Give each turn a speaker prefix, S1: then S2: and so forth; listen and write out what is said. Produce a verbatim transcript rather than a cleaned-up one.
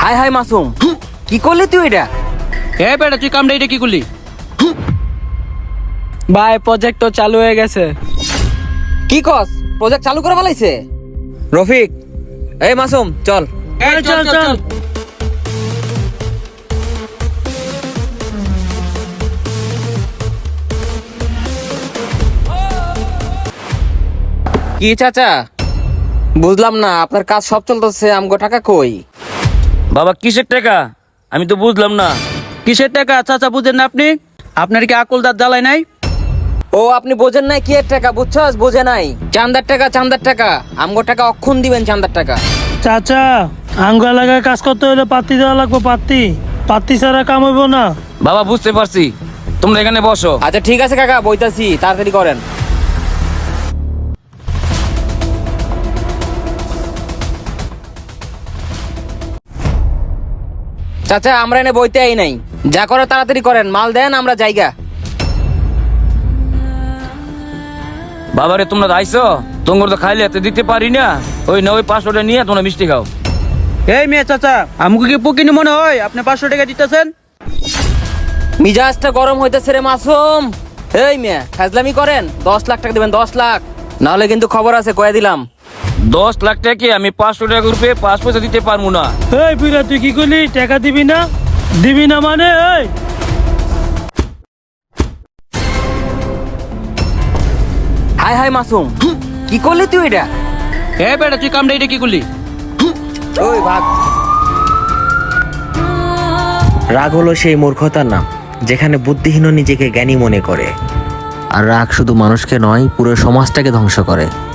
S1: High high Masum, কি করলি তুই এটা?
S2: এ বেটা তুই কামড়া এটা কি করলি?
S3: ভাই প্রজেক্ট তো চালু হয়ে গেছে।
S1: কি কস, প্রজেক্ট চালু করে ফেলাইছে? রফিক, এই মাসুম চল।
S2: এই চল চল
S1: কি চাচা, বুঝলাম না, আপনার কাজ সব চলতেছে, আমগো টাকা কই?
S2: বাবা কিসের টাকা আমি তো বুঝলাম না। কিসের টাকা চাচা বুঝেন না আপনি? আপনার কি আকল দাঁত জ্বালাই নাই?
S1: ও আপনি বোঝেন নাই কি এর টাকা, বুঝছস? বোঝে নাই, চান্দার টাকা, চান্দার টাকা, আমগো টাকা অক্ষণ দিবেন, চান্দার টাকা।
S4: চাচা আঙ্গ এলাকায় কাজ করতে হলে পাত্তি দেওয়া লাগবে। পাত্তি পাত্তি ছাড়া কাম হইব না।
S2: বাবা বুঝতে পারছি, তোমরা এখানে বসো।
S1: আচ্ছা ঠিক আছে কাকা, বইতাছি, তাড়াতাড়ি করেন। চাচা আমরা এনে বইতে আই নাই, যা করে তাড়াতাড়ি করেন, মাল দেন, আমরা জায়গা।
S2: বাবারে তোমরা আইছো, তোমার তো খাইলে এত দিতে পারি না। ওই না ওই পাঁচশোটা নিয়ে তোমরা মিষ্টি খাও। এই মেয়ে চাচা, আমাকে কি পুকিনি মনে হয় আপনি পাঁচশো টাকা দিতেছেন?
S1: মিজাজটা গরম হইতেছে রে মাসুম। এই মেয়ে ফাজলামি করেন, দশ লাখ টাকা দিবেন, দশ লাখ, নাহলে কিন্তু খবর আছে, কয়ে দিলাম।
S2: দশ লাখ টাকা আমি পাঁচশো টাকা রূপে পাঁচ পয়সা দিতে পারবো না।
S4: এই বিরা তুই কি করলি? টাকা দিবি না? দিবি না মানে? এই
S1: হাই হাই মাসুম, কি করলি তুই এটা?
S2: এ বেটা তুই কামড়া এটা কি করলি?
S1: ওই ভাগ।
S5: রাগ হলো সেই মূর্খতার নাম যেখানে বুদ্ধিহীন নিজেকে জ্ঞানী মনে করে। আর রাগ শুধু মানুষকে নয়, পুরো সমাজটাকে ধ্বংস করে।